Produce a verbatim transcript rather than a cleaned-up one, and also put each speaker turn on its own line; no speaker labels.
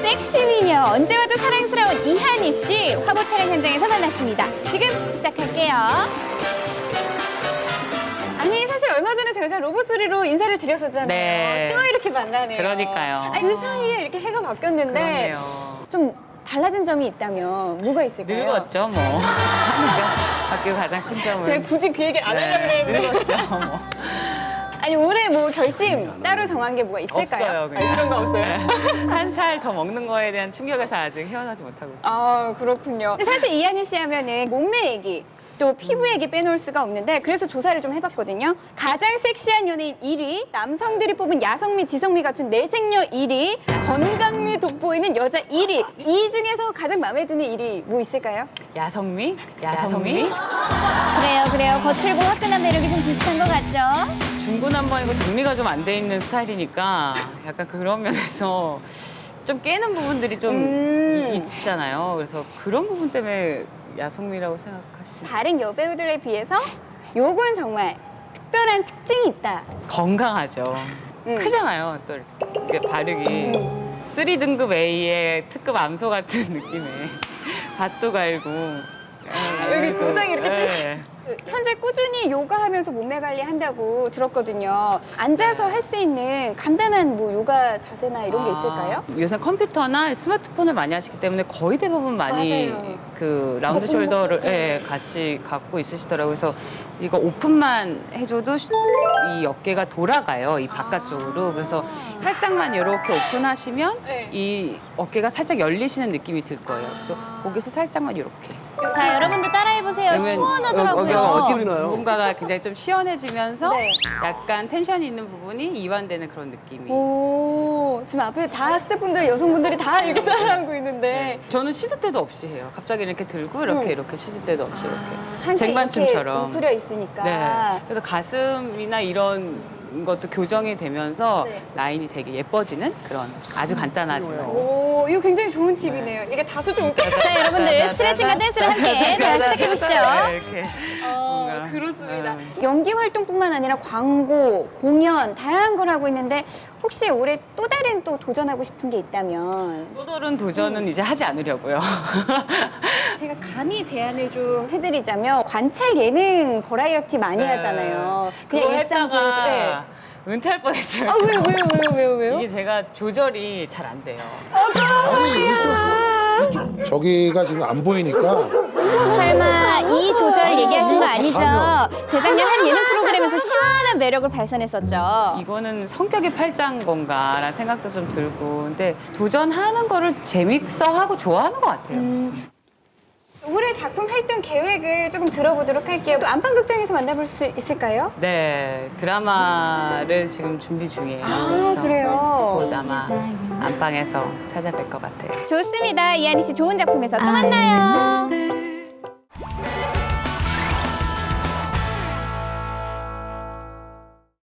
섹시 미녀, 언제 와도 사랑스러운 이한희 씨 화보 촬영 현장에서 만났습니다. 지금 시작할게요. 아니 사실 얼마 전에 저희가 로봇 소리로 인사를 드렸었잖아요.
네.
또 이렇게 만나네요.
그러니까요.
아니, 그 사이에 이렇게 해가 바뀌었는데
그러네요.
좀 달라진 점이 있다면 뭐가 있을까요?
늙었죠, 뭐. 하니까 바뀌고 가장 큰 점은.
제가 굳이 그 얘기 안 하려고
네,
했는데.
늙었죠, 뭐.
아니 올해 뭐 결심 따로 정한 게 뭐가 있을까요?
없어요, 그냥.
아니, 그런 거 없어요?
한 살 더 먹는 거에 대한 충격에서 아직 헤어나지 못하고 있어요.
아 그렇군요. 근데 사실 이한희 씨 하면은 몸매 얘기 또 피부 얘기 빼놓을 수가 없는데 그래서 조사를 좀 해봤거든요. 가장 섹시한 연예인 일 위, 남성들이 뽑은 야성미, 지성미 갖춘 내생녀 일 위, 건강미 돋보이는 여자 일 위. 이 중에서 가장 마음에 드는 일 위 뭐 있을까요?
야성미? 야성미?
그래요, 그래요. 거칠고 화끈한 매력이 좀 비슷한 것 같죠?
중구난방이고 정리가 좀 안 돼 있는 스타일이니까 약간 그런 면에서 좀 깨는 부분들이 좀
음.
이- 있잖아요. 그래서 그런 부분 때문에 야성미라고 생각하시.
다른 여배우들에 비해서 요건 정말 특별한 특징이 있다.
건강하죠.
음.
크잖아요. 또 이게 바르기. 삼 등급 A의 특급 암소 같은 느낌에 밭도 갈고.
아, 여기 도장이 이렇게
네.
그, 현재 꾸준히 요가하면서 몸매 관리한다고 들었거든요. 앉아서 할 수 있는 간단한 뭐 요가 자세나 이런 게 있을까요?
아, 요새 컴퓨터나 스마트폰을 많이 하시기 때문에 거의 대부분 많이
맞아요.
그 라운드
어,
숄더를
네.
예, 같이 갖고 있으시더라고요. 그래서 이거 오픈만 해줘도 이 어깨가 돌아가요. 이 바깥쪽으로. 그래서 살짝만 이렇게 오픈하시면
네.
이 어깨가 살짝 열리시는 느낌이 들 거예요. 그래서 거기서 살짝만 이렇게.
자, 여러분도 따라해보세요.
그러면
시원하더라고요.
여기가 어디 뭔가가 굉장히 좀 시원해지면서
네.
약간 텐션이 있는 부분이 이완되는 그런 느낌이.
오, 지금 앞에 다 스태프분들, 여성분들이 다 이렇게 따라하고 있는데
저는 시도 때도 없이 해요. 갑자기 이렇게 들고 이렇게
음.
이렇게 시도 때도 없이 이렇게
한치
쟁반춤처럼.
이렇게 웅크려 있으니까.
네. 그래서 가슴이나 이런 것도 교정이 되면서
네.
라인이 되게 예뻐지는 그런 아주 간단하지만.
오, 이거 굉장히 좋은 팁이네요. 이게 다소 좀 웃겨. 자, 여러분들 스트레칭과 댄스를 함께 자, 시작해보시죠.
네, 이렇게.
어,
뭔가,
그렇습니다.
음.
연기 활동뿐만 아니라 광고, 공연 다양한 걸 하고 있는데 혹시 올해 또 다른 또 도전하고 싶은 게 있다면
또 다른 도전은 이제 하지 않으려고요.
제가 감히 제안을 좀 해드리자면 관찰 예능 버라이어티 많이
네.
하잖아요.
그거
그냥 일상 보여줘.
했다가
네.
은퇴할 뻔했어요.
아 왜요 왜요 왜요 왜요 왜요?
이게 제가 조절이 잘 안 돼요.
아니 이쪽 이쪽 저기가 지금 안 보이니까
설마 이 조절 얘기하신 거 아니죠? 재작년 한 예능 프로그램에서 시원한 매력을 발산했었죠.
이거는 성격이 팔자인 건가라는 생각도 좀 들고 근데 도전하는 거를 재밌어 하고 좋아하는 것 같아요.
올해 작품 활동 계획을 조금 들어보도록 할게요. 안방극장에서 만나볼 수 있을까요?
네, 드라마를 지금 준비 중이에요.
아,
그래서
그래요?
곧 아마 안방에서 찾아뵐 것 같아요.
좋습니다. 이한희 씨 좋은 작품에서 또 만나요.